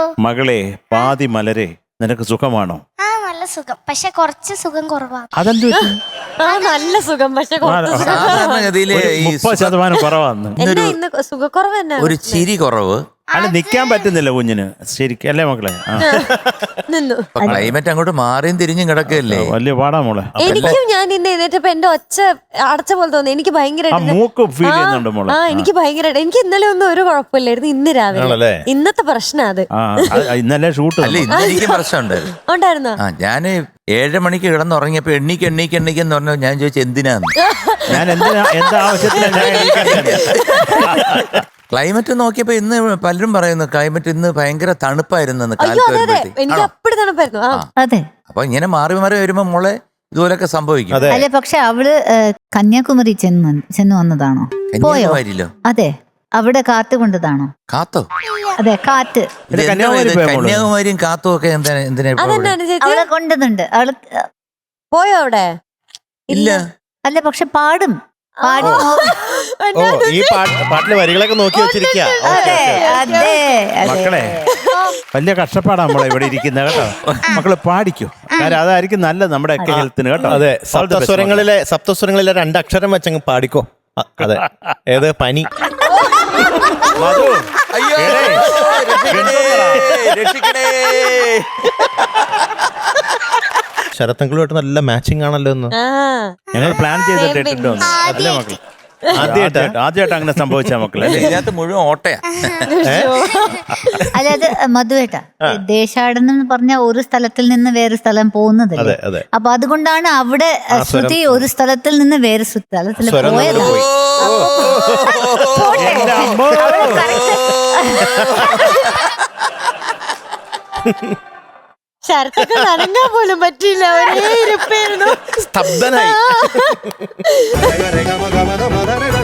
മകളെ പാതി മലരെ നിനക്ക് സുഖമാണോ? ആ നല്ല സുഖം, പക്ഷെ കുറച്ച് സുഖം കുറവാണ്. അതെന്തു നല്ല സുഖം, പക്ഷെ സാധാരണഗതിയില് ഈ 30% കുറവാന്ന്. ഇന്ന് സുഖക്കുറവ് തന്നെ. ഒരു ചിരി കുറവ്. അല്ല നിക്കാൻ പറ്റുന്നില്ല കുഞ്ഞിന് ശരിക്കും അല്ലേ മക്കളെ? നിന്നു. ക്ലൈമറ്റ് അങ്ങോട്ട് മാറിയും തിരിഞ്ഞും കിടക്കല്ലേ, വലിയ പാടാ മോളെ. എനിക്കും ഞാൻ ഇന്ന് എഴുന്നേറ്റപ്പോ എന്റെ ഒച്ച അടച്ച പോലെ തോന്നി. എനിക്ക് ഭയങ്കര മൂക്ക് ഫീൽ ചെയ്യുന്നുണ്ട് മോളെ. എനിക്ക് ഭയങ്കരമായിട്ട്. എനിക്ക് ഇന്നലെ ഒന്നും ഒരു കുഴപ്പമില്ലായിരുന്നു. ഇന്ന് രാവിലെ ഇന്നത്തെ പ്രശ്നം അത്. ഇന്നലെ ഷൂട്ട് അല്ല ഇന്ന് എനിക്ക് പ്രശ്നം ഉണ്ടായിരുന്നോ? ഞാന് 7 മണിക്ക് കിടന്നുറങ്ങിയപ്പോ എണ്ണിക്കെന്ന് പറഞ്ഞു. ഞാൻ ചോദിച്ചു എന്തിനാന്ന്. ഞാൻ എന്താ ആവശ്യത്തിനാണ് ക്ലൈമറ്റ് നോക്കിയപ്പോ ഇന്ന് പലരും പറയുന്നു ക്ലൈമറ്റ് ഇന്ന് ഭയങ്കര തണുപ്പായിരുന്നു. എനിക്ക് അപ്പടി തണുപ്പായിരുന്നു. അതെ. അപ്പൊ ഇങ്ങനെ മാറി മാറി വരുമ്പോ മോളെ ഇതുപോലൊക്കെ സംഭവിക്കും. അല്ലെ പക്ഷെ അവള് കന്യാകുമാരി ചെന്ന് വന്നതാണോ? പോയോ? അതെ, അവിടെ കാറ്റ് കൊണ്ടതാണോ? കാത്തോ? അതെ, കാറ്റ്. കന്യാകുമാരിയും കാത്തും ഒക്കെ അവളെ കൊണ്ടുന്നുണ്ട്. അവള് പോയോ അവിടെ? ഇല്ല. അല്ല പക്ഷെ പാടും. ഈ പാട്ടിലെ വരികളൊക്കെ നോക്കി വെച്ചിരിക്കുക. മക്കളെ വലിയ കഷ്ടപ്പാടാ നമ്മളെ ഇവിടെ ഇരിക്കുന്ന കേട്ടോ. മക്കള് പാടിക്കോ, കാരണം അതായിരിക്കും നല്ലത് നമ്മുടെ ഒക്കെ ഹെൽത്തിന് കേട്ടോ. അതെ, സപ്തസ്വരങ്ങളിലെ 2 അക്ഷരം വെച്ചങ്ങ് പാടിക്കോ. അതെ, ഏത് പനി. ശരത്തങ്കളുമായിട്ട് നല്ല മാച്ചിങ് ആണല്ലോ ഒന്ന്. ഞങ്ങൾ പ്ലാൻ ചെയ്തിട്ടുണ്ടോ അല്ലേ മക്കളെ? ആദ്യമായിട്ട് അങ്ങനെ സംഭവിച്ച മക്കളെ. ഇതിനകത്ത് മുഴുവൻ ഓട്ടയാ. അല്ല അത് മധുവേട്ട, ദേശാടനം എന്ന് പറഞ്ഞ ഒരു സ്ഥലത്തിൽ നിന്ന് വേറെ സ്ഥലം പോകുന്നതല്ലേ. അപ്പൊ അതുകൊണ്ടാണ് അവിടെ ശ്രുതി ഒരു സ്ഥലത്തിൽ നിന്ന് വേറെ സ്ഥലത്തിൽ പോയത്. ശരത്തൊക്കെ നനങ്ങാൻ പോലും പറ്റിയില്ല. ഒരേ ഇരിപ്പായിരുന്നു, സ്തബ്ധനായി.